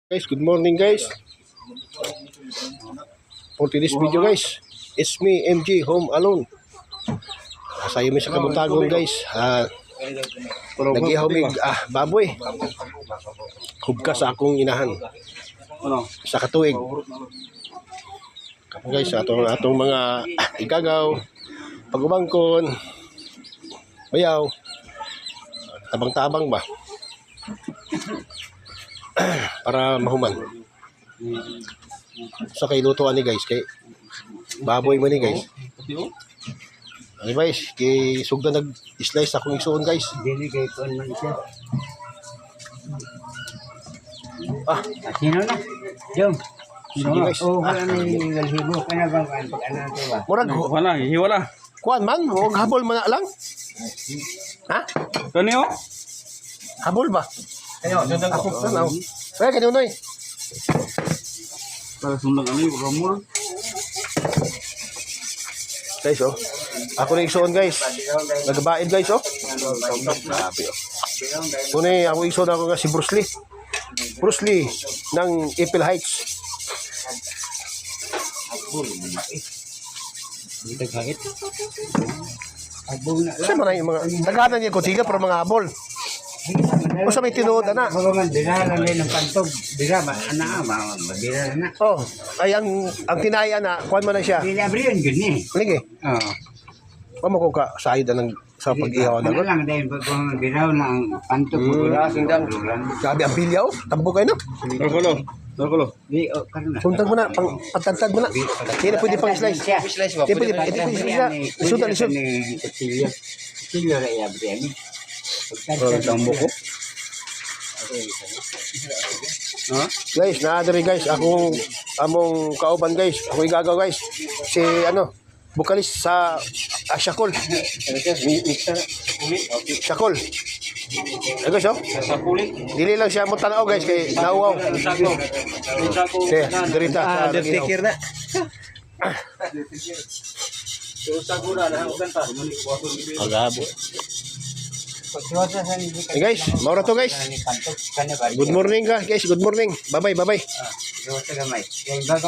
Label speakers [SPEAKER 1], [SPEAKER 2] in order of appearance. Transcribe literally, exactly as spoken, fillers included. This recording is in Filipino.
[SPEAKER 1] Guys, good morning guys. For today's video guys, it's me M J home alone. Sayo mi sa Kabuntagon guys. Ah, nagihaw mig ah baboy. Hubka sa akong inahan. Sa katuig. Kapo guys, atong atong mga igagaw, pagubangkon, bayaw, tabang-tabang ba? Para mahuman. Sa kay lutuan ni guys, kay baboy mo ni guys. Ay guys, kay sugda nag-slice akong isuon guys.
[SPEAKER 2] Dili kay kon man siya.
[SPEAKER 1] Ah,
[SPEAKER 2] Sino na? Jom.
[SPEAKER 1] sige guys.
[SPEAKER 2] Oh, wala na yung galhibo. Kana bang kan pag ano to ba?
[SPEAKER 1] Murag
[SPEAKER 3] Wala, hiwala.
[SPEAKER 1] kuan man, og habol man na lang. Ha?
[SPEAKER 3] Kani oh?
[SPEAKER 1] Habol ba?
[SPEAKER 3] Ayo, sundan
[SPEAKER 1] Ako tanaw. Kaya kanino noy.
[SPEAKER 3] Para sundan ani ramur.
[SPEAKER 1] Guys oh. Ako na isuon guys. Nagabaid guys oh. Grabe oh. Kuni ako isuon ako nga si Bruce Lee. Bruce Lee ng April Heights.
[SPEAKER 2] Dito kahit. Abong na
[SPEAKER 1] Kasi man yung mga naghanan niya kutiga pero mga habol. O sa may tinuod ana.
[SPEAKER 2] Mga man dira lang din ng pantog. Dira ba ana ba dira na.
[SPEAKER 1] Oh, ay ang ang tinaya na kuan man na siya.
[SPEAKER 2] Dili abriyon gud ni.
[SPEAKER 1] Ligi.
[SPEAKER 2] Oo.
[SPEAKER 1] Pamo ko ka sayod ng sa pag-ihaw na.
[SPEAKER 2] Ano lang din pag kung dira na ang pantog gura sindang dulan.
[SPEAKER 1] Sabi ang pilyaw, tambo kayo no.
[SPEAKER 3] Nakulo. Nakulo.
[SPEAKER 2] Di o karon na.
[SPEAKER 1] Suntag mo na, pang pagtantad mo na. Hindi na pwede pang slice.
[SPEAKER 2] Slice ba?
[SPEAKER 1] Hindi pwede, hindi pwede slice na. Lisod na, lisod.
[SPEAKER 2] Kutsilyo. Kutsilyo ra iya abriyan ni.
[SPEAKER 3] Para tambo ko. Ha?
[SPEAKER 1] Guys, naadari guys, akong among kauban guys. Ako igagaw guys. Si ano, bukalis sa ah, Shakol. Shakol. Ay guys, oh.
[SPEAKER 3] Sa kulit.
[SPEAKER 1] Dili lang siya mo tanaw guys kay nauwaw.
[SPEAKER 3] Sako. Sako.
[SPEAKER 1] Sige, dirita sa
[SPEAKER 3] Take na. So sako na na ugan ta.
[SPEAKER 1] Agabo.
[SPEAKER 2] Pagsiwasa sa ni
[SPEAKER 1] Hey guys, maura to guys.
[SPEAKER 2] pantog kana ba?
[SPEAKER 1] Good morning guys, guys. Good morning. Bye-bye, bye-bye.
[SPEAKER 2] Ah, siwasa gamay. Kay bago